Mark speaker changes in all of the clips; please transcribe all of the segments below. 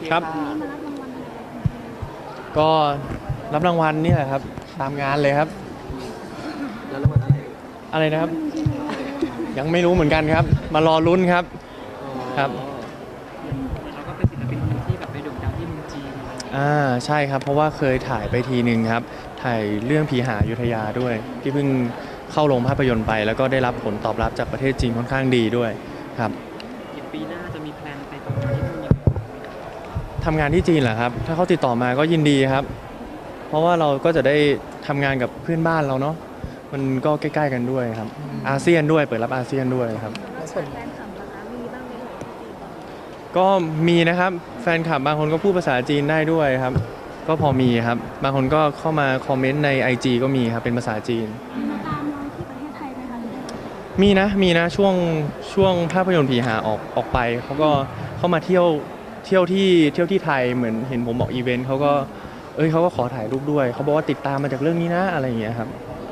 Speaker 1: ครับก็รับรางวัลนี่แหละครับตามงานเลยครับ
Speaker 2: แล้วรางวัลอะไร
Speaker 1: นะครับยังไม่รู้เหมือนกันครับมารอลุ้นครับครับ
Speaker 2: เราก็เป็นศิลปินคนหนึ่งที่แบบไปโด่งดังที่เมืองจีน
Speaker 1: ใช่ครับเพราะว่าเคยถ่ายไปทีนึงครับถ่ายเรื่องผีหาอยุธยาด้วยที่เพิ่งเข้าโรงภาพยนตร์ไปแล้วก็ได้รับผลตอบรับจากประเทศจีนค่อนข้างดีด้วยครับ
Speaker 2: ปีหน้าจะมีแพลนไปทำงานที่นู่นยังไง
Speaker 1: ทำงานที่จีนเหรอครับถ้าเขาติดต่อมาก็ยินดีครับเพราะว่าเราก็จะได้ทำงานกับเพื่อนบ้านเราเนาะมันก็ใกล้ๆกันด้วยครับอาเซียนด้วยเปิดรับอาเซียนด้วยครับ
Speaker 3: แฟนคลับนะคะมีบ้างไหม
Speaker 1: ก็มีนะครับแฟนคลับบางคนก็พูดภาษาจีนได้ด้วยครับก็พอมีครับบางคนก็เข้ามาคอมเมนต์ใน IG ก็มีครับเป็นภาษาจีน
Speaker 3: มาตามเราที่ประเทศไทยไหมคะ
Speaker 1: มีนะช่วงภาพยนตร์ผีหาออกไปเขาก็เข้ามาเที่ยวที่ไทยเหมือนเห็นผมบอกอีเวนต์เขาก็ขอถ่ายรูปด้วยเขาบอกว่าติดตามมาจากเรื่องนี้นะอะไรอย่างเงี้ยครับ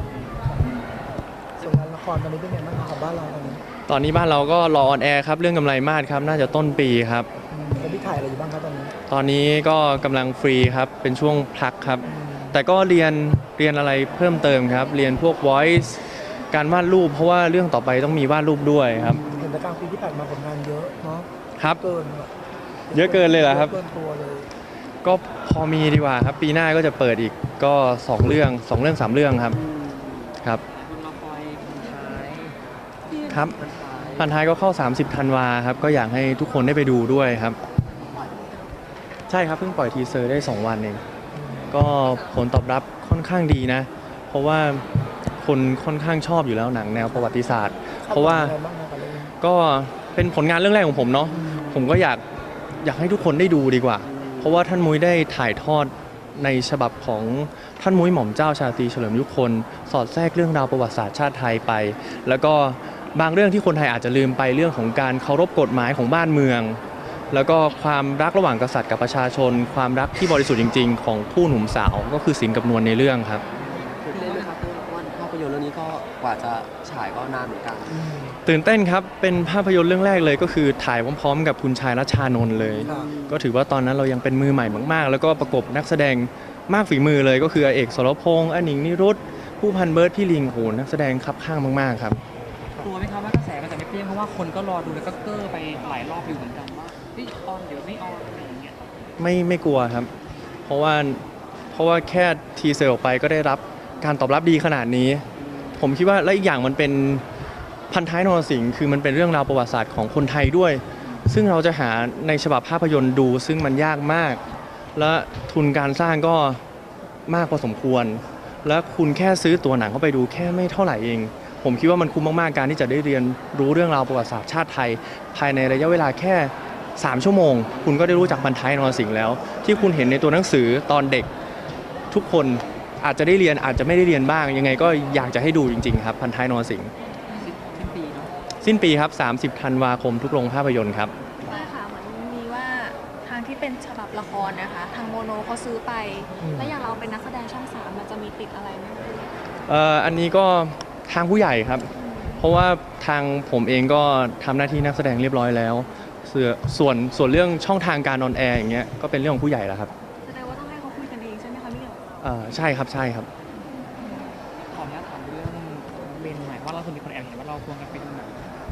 Speaker 4: ส่วนงานละครตอนนี้เป็นไงบ้างครับบ้านเรา
Speaker 1: ตอนนี้บ้านเราก็รอออนแอร์ครับเรื่องกำไรมาศครับน่าจะต้นปีครับ
Speaker 4: แล้วพี่ถ่ายอะไรอยู่บ้างครับตอนนี้
Speaker 1: ตอนนี้ก็กำลังฟรีครับเป็นช่วงพักครับแต่ก็เรียนอะไรเพิ่มเติมครับเรียนพวก voice การวาดรูปเพราะว่าเรื่องต่อไปต้องมีวาดรูปด้วยครับ
Speaker 4: เห็นแต่กลางปีที่ผ่านมาผลงานเยอะเนาะ
Speaker 1: ครับ
Speaker 4: เกิน
Speaker 1: เยอะเกินเลยเหรอครับ
Speaker 4: เกินตัวเลย
Speaker 1: ก็พอมีดีกว่าครับปีหน้าก็จะเปิดอีกก็2 เรื่อง3 เรื่องครับครับ
Speaker 2: คุณรอคอยคนท้าย
Speaker 1: ครับพันท้ายก็เข้า30 ธันวาครับก็อยากให้ทุกคนได้ไปดูด้วยครับใช่ครับเพิ่งปล่อยทีเซอร์ได้2 วันเองก็ผลตอบรับค่อนข้างดีนะเพราะว่าคนค่อนข้างชอบอยู่แล้วหนังแนวประวัติศาสตร์เพราะว่าก็เป็นผลงานเรื่องแรกของผมเนาะผมก็อยากให้ทุกคนได้ดูดีกว่าเพราะว่าท่านมุ้ยได้ถ่ายทอดในฉบับของท่านมุ้ยหม่อมเจ้าชาตรีเฉลิมยุคลสอดแทรกเรื่องราวประวัติศาสตร์ชาติไทยไปแล้วก็บางเรื่องที่คนไทยอาจจะลืมไปเรื่องของการเคารพกฎหมายของบ้านเมืองแล้วก็ความรักระหว่างกษัตริย์กับประชาชนความรักที่บริสุทธิ์จริงๆของคู่หนุ่มสาวก็คือศิลป์กับนวลในเรื่องครับ
Speaker 2: ตื่นเต้นไหมครับเพราะว่าภาพยนตร์เรื่องนี้ก็กว่าจะฉายก็นานเหมือนกัน
Speaker 1: ตื่นเต้นครับเป็นภาพยนตร์เรื่องแรกเลยก็คือถ่ายพร้อมๆกับคุณชายรัชชานนท์เลยก็ถือว่าตอนนั้นเรายังเป็นมือใหม่มากๆแล้วก็ประกบนักแสดงมากฝีมือเลยก็คือเอกสรพงษ์อนิงนิรุตผู้พันเบิร์ดพี่ลิงโหนักแสดงคับข้างมากๆครับ
Speaker 2: กลัวไหมครับว่ากระแสมันจะไม่เปรี้ยงเพราะว่าคนก็รอดูแล้วก็เก้อไปหลายรอบอยู่เหมือนกันว่าออนเดี๋ยวไม่ออนอะไรอย่างเงี้ย
Speaker 1: ไม่กลัวครับเพราะว่าแค่ทีเซอร์ออกไปก็ได้รับการตอบรับดีขนาดนี้ผมคิดว่าและอีกอย่างมันเป็นพันท้ายนรสิงห์คือมันเป็นเรื่องราวประวัติศาสตร์ของคนไทยด้วยซึ่งเราจะหาในฉบับภาพยนตร์ดูซึ่งมันยากมากและทุนการสร้างก็มากพอสมควรและคุณแค่ซื้อตัวหนังเข้าไปดูแค่ไม่เท่าไหร่เองผมคิดว่ามันคุ้มมากๆการที่จะได้เรียนรู้เรื่องราวประวัติศาสตร์ชาติไทยภายในระยะเวลาแค่3 ชั่วโมงคุณก็ได้รู้จักพันท้ายนรสิงห์แล้วที่คุณเห็นในตัวหนังสือตอนเด็กทุกคนอาจจะได้เรียนอาจจะไม่ได้เรียนบ้างยังไงก็อยากจะให้ดูจริงๆครับพันท้ายนรสิงห์สิ้นปีครับ30 ธันวาคมทุกโรงภาพยนตร์ครับ
Speaker 3: ใช่ค่ะเหมือนมีว่าทางที่เป็นฉบับละครนะคะทางโมโนเขาซื้อไปแล้วอย่างเราเป็นนักแสดงช่อง3มันจะมีติดอะไรไหม
Speaker 1: อันนี้ก็ทางผู้ใหญ่ครับเพราะว่าทางผมเองก็ทำหน้าที่นักแสดงเรียบร้อยแล้วส่วนเรื่องช่องทางการออนแอร์อย่างเงี้ยก็เป็นเรื่องของผู้ใหญ่แล้วครับ
Speaker 3: แสดงว่าต้องให้เขาคุยกันเองใช่ไหมคะพี่เอ๋
Speaker 1: ใช่ครับ
Speaker 2: ขออนุญาตถามเรื่องเบนหน่อยว่าเราคนมีคนแอบเห็นว่าเราควงกันไปดูหนัง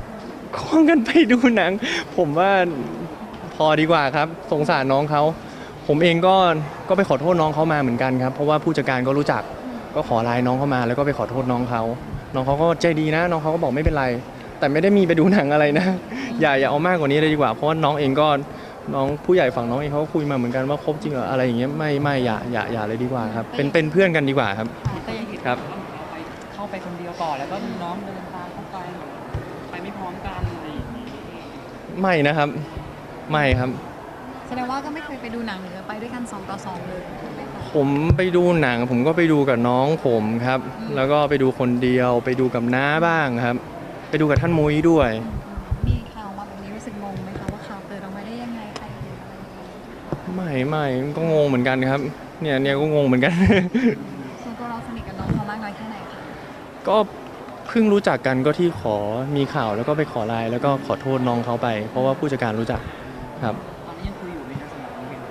Speaker 1: ผมว่าพอดีกว่าครับสงสารน้องเขาผมเองก็ไปขอโทษน้องเขามาเหมือนกันครับเพราะว่าผู้จัดการก็รู้จักก็ขอไลน์น้องเขามาแล้วก็ไปขอโทษน้องเขาก็ใจดีนะน้องเขาก็บอกไม่เป็นไรแต่ไม่ได้มีไปดูหนังอะไรนะอย่าเอามากกว่านี้เลยดีกว่าเพราะว่าน้องเองก็น้องผู้ใหญ่ฝั่งน้องเองเขาก็คุยมาเหมือนกันว่าคบจริงเหรออะไรอย่างเงี้ยไม่อย่าเลยดีกว่าครับเป็นเพื่อนกันดีกว่าครับ
Speaker 2: แต่ยังเห็นว่าเราไปเข้าไปคนเดียวก่อนแล้วก็มีน้องเดินตามเข้าไปไม่พร้อมกันอะไรอย่างงี้
Speaker 1: ไม่นะครับไม่ครับ
Speaker 3: แสดงว่าก็ไม่เคยไปดูหนังหรือไปด้วยกัน2 ต่อ 2เลย
Speaker 1: ผมไปดูหนังผมก็ไปดูกับน้องผมครับแล้วก็ไปดูคนเดียวไปดูกับน้าบ้างครับไปดูกับท่านมุ้ยด้วย
Speaker 3: มีข่าวมาแบบนี้รู้สึกงงไหมคะว่าข่าวเกิดออกมาได้ยังไงใครเห็นอะไร
Speaker 1: ไม่ก็งงเหมือนกันครับเนี่ยก็งงเหมือนกัน
Speaker 3: ส่วนตัวเราสนิทกับน้องเขามากน้อยแค่ไหนคะ
Speaker 1: ก็เพิ่งรู้จักกันก็ที่ขอมีข่าวแล้วก็ไปขอไลน์แล้วก็ขอโทษน้องเขาไปเพราะว่าผู้จัดการรู้จักครับ
Speaker 2: ตอนนี้ยังคุยอยู่ไหมครับสำหรับน้องเบน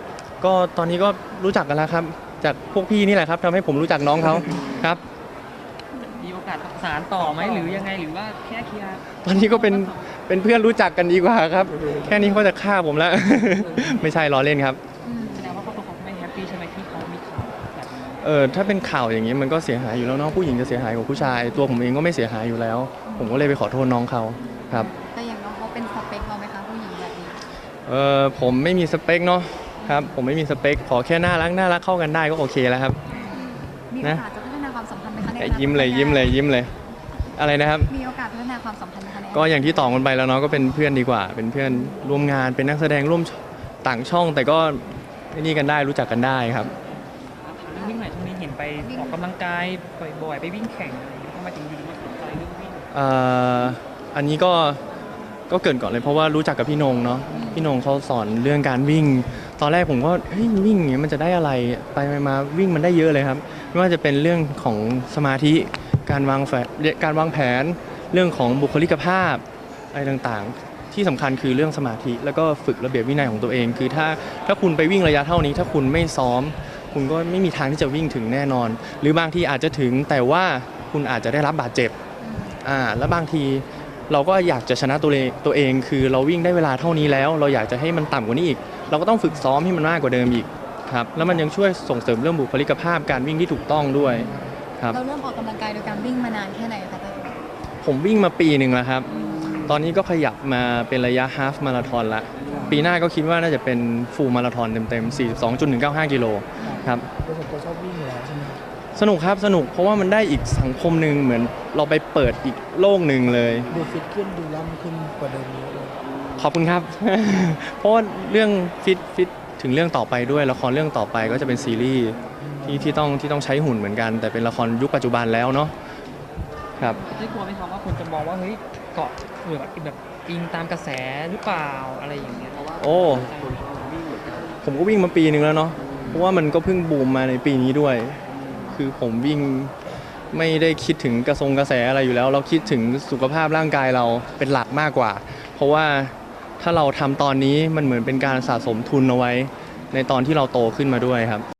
Speaker 1: ก็ตอนนี้ก็รู้จักกันแล้วครับ จากพวกพี่นี่แหละครับทำให้ผมรู้จักน้องเขาครับ
Speaker 2: มีโอกาสสานต่อไหมหรือยังไงหรือว่าแค่เคลียร์
Speaker 1: ตอนนี้ก็เป็นเพื่อนรู้จักกันดีกว่าครับ แค่นี้เขาจะฆ่าผมแล้ว ไม่ใช่ล้อเล่นครับ
Speaker 2: แสดงว่าครอบครัวเขาไม่แฮปปี้ใช่ไหมที่เขามีข่าวแบบนี้
Speaker 1: ถ้าเป็นข่าวอย่างนี้มันก็เสียหายอยู่แล้วเนาะผู้หญิงจะเสียหายกว่าผู้ชาย ตัวผมเองก็ไม่เสียหายอยู่แล้ว ผมก็เลยไปขอโทษน้องเขาครับ
Speaker 3: แต่อย่างน้องเขาเป็นสเปคเราไหมคะผู้หญิงแบบนี้
Speaker 1: ผมไม่มีสเปคเนาะครับผมไม่มีสเปคขอแค่น่ารักเข้ากันได้ก็โอเคแล้วครับ
Speaker 3: มีโอกาสจะพัฒนาความสัมพันธ์ไหมคะในอนาคต
Speaker 1: ยิ้มเลยอะไรนะครับ
Speaker 3: มีโอกาสพัฒนาความสัมพันธ์ไหมคะในอนาคต
Speaker 1: ก็อย่างที่ตอบกันไปแล้วเนาะก็เป็นเพื่อนดีกว่า เป็นเพื่อนร่วมงานเป็นนักแสดงร่วมต่างช่อง แต่ก็นี่กันได้รู้จักกันได้ครับ
Speaker 2: ถามเรื่องวิ่งหน่อยช่วงนี้เห็นไปออกกำลังกายบ่อยๆไปวิ่งแข่งอะไรอย่างเงี้ยทำไมถึงอยู่มาสนใจเรื่องวิ่ง
Speaker 1: อันนี้ก็เกรินก่อนเลยเพราะว่ารู้จักกับพี่นงเนาะพี่นงเขาสอนเรื่องการวิ่ง ตอนแรกผมก็เฮ้ยวิ่งอย่างเงี้ยมันจะได้อะไรไปมาวิ่งมันได้เยอะเลยครับไม่ว่าจะเป็นเรื่องของสมาธิการวางแผนเรื่องของบุคลิกภาพอะไรต่างๆ ที่สำคัญคือเรื่องสมาธิแล้วก็ฝึกระเบียบวินัยของตัวเอง คือถ้าคุณไปวิ่งระยะเท่านี้ ถ้าคุณไม่ซ้อม คุณก็ไม่มีทางที่จะวิ่งถึงแน่นอน หรือบางทีอาจจะถึงแต่ว่าคุณอาจจะได้รับบาดเจ็บแล้วบางทีเราก็อยากจะชนะตัวเองคือเราวิ่งได้เวลาเท่านี้แล้ว เราอยากจะให้มันต่ำกว่านี้อีก เราก็ต้องฝึกซ้อมให้มันมากกว่าเดิมอีกครับแล้วมันยังช่วยส่งเสริมเรื่องบุคลิกภาพการวิ่งที่ถูกต้องด้วยครับ
Speaker 3: เราเริ่มออกกำลังกายโดยการวิ่งมานานแค่ไหนคะเต้ย
Speaker 1: ผมวิ่งมาปีหนึ่งแล้วครับ ตอนนี้ก็ขยับมาเป็นระยะฮาฟมาราธอนละปีหน้าก็คิดว่าน่าจะเป็นฟูลมาราธอนเต็มๆ 42.195 กิโลครับ
Speaker 4: โดยส่วนตัวชอบวิ่งอยู่แล้วใช่ไหมครับ
Speaker 1: สนุกครับสนุกเพราะว่ามันได้อีกสังคมหนึ่งเหมือนเราไปเปิดอีกโลกหนึ่งเลย
Speaker 4: ดูฟิตขึ้นดูล่ำขึ้นกว่าเดิมเยอะเลย
Speaker 1: ขอบคุณครับ เพราะว่าเรื่องฟิตถึงเรื่องต่อไปด้วยละครเรื่องต่อไปก็จะเป็นซีรีส์ที่ต้องใช้หุ่นเหมือนกัน แต่เป็นละครยุคปัจจุบันแล้วเนาะครับ
Speaker 2: ได้กลัวไหมครับว่าคนจะมองว่าเฮ้ยเกาะหรือแบบอิงตามกระแสหรือเปล่าอะไรอย่างเงี้ยเพราะว่า
Speaker 1: โอ้ ผมก็วิ่งมาปีหนึ่งแล้วเนาะเพราะว่ามันก็เพิ่งบูมมาในปีนี้ด้วย คือผมวิ่งไม่ได้คิดถึงกระแสอะไรอยู่แล้ว เราคิดถึงสุขภาพร่างกายเราเป็นหลักมากกว่า เพราะว่าถ้าเราทำตอนนี้มันเหมือนเป็นการสะสมทุนเอาไว้ ในตอนที่เราโตขึ้นมาด้วยครับ